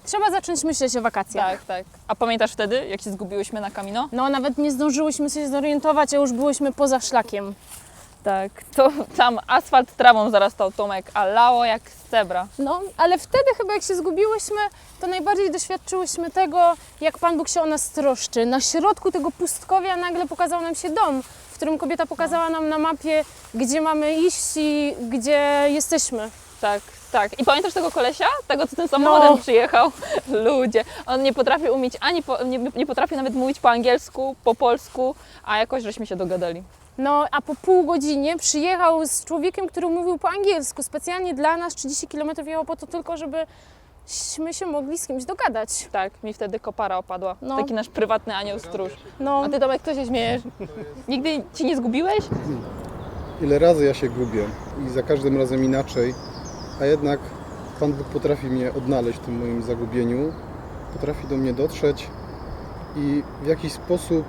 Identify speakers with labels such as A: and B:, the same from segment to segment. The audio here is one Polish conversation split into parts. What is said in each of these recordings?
A: Trzeba zacząć myśleć o wakacjach.
B: Tak, tak. A pamiętasz wtedy, jak się zgubiłyśmy na Camino?
A: No nawet nie zdążyłyśmy się zorientować, a już byłyśmy poza szlakiem.
B: Tak, to tam asfalt trawą zarastał, Tomek, a lało jak z cebra.
A: No, ale wtedy chyba jak się zgubiłyśmy, to najbardziej doświadczyłyśmy tego, jak Pan Bóg się o nas troszczy. Na środku tego pustkowia nagle pokazał nam się dom, w którym kobieta pokazała nam na mapie, gdzie mamy iść i gdzie jesteśmy.
B: Tak, tak. I pamiętasz tego kolesia? Tego, co tym samochodem
A: No.
B: przyjechał? Ludzie. On nie potrafi umieć nie potrafi nawet mówić po angielsku, po polsku, a jakoś żeśmy się dogadali.
A: No, a po pół godzinie przyjechał z człowiekiem, który mówił po angielsku. Specjalnie dla nas 30 km jechał po to tylko, żebyśmy się mogli z kimś dogadać.
B: Tak, mi wtedy kopara opadła.
A: No.
B: Taki nasz prywatny anioł stróż.
A: No,
B: A ty, Tomek, co się śmiejesz? Nigdy ci nie zgubiłeś?
C: Ile razy ja się gubię i za każdym razem inaczej, a jednak Pan Bóg potrafi mnie odnaleźć w tym moim zagubieniu, potrafi do mnie dotrzeć i w jakiś sposób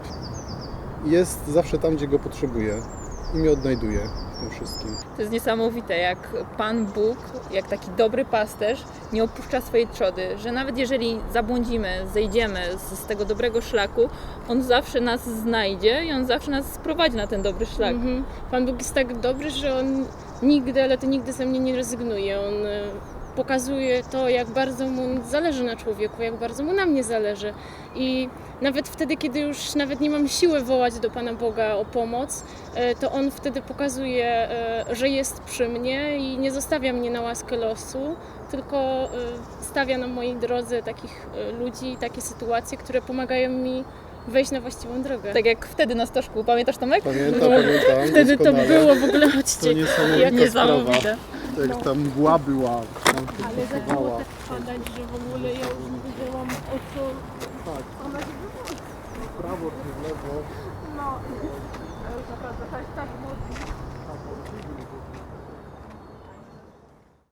C: jest zawsze tam, gdzie go potrzebuję i mnie odnajduje w tym wszystkim.
B: To jest niesamowite, jak Pan Bóg, jak taki dobry pasterz nie opuszcza swojej trzody, że nawet jeżeli zabłądzimy, zejdziemy z tego dobrego szlaku, On zawsze nas znajdzie i On zawsze nas sprowadzi na ten dobry szlak.
A: Pan Bóg jest tak dobry, że On nigdy, ale to nigdy ze mnie nie rezygnuje. On pokazuje to, jak bardzo Mu zależy na człowieku, jak bardzo Mu na mnie zależy. I nawet wtedy, kiedy już nawet nie mam siły wołać do Pana Boga o pomoc, to On wtedy pokazuje, że jest przy mnie i nie zostawia mnie na łaskę losu, tylko stawia na mojej drodze takich ludzi, takie sytuacje, które pomagają mi wejść na właściwą drogę.
B: Tak jak wtedy na stożku. Pamiętasz, Tomek?
C: Pamiętam
A: Wtedy to
C: doskonale.
A: było w ogóle,
C: To
A: chodźcie.
C: niesamowita
B: Niesamowite.
C: sprawa. Jak ta mgła była, tam się
A: Ale zaczęło
C: przesuwała.
A: tak padać, że w ogóle ja już nie wiedziałam o co
C: Tak,
A: ona się wychodzi.
C: w prawo czy w lewo.
A: No, to już naprawdę tak mocno.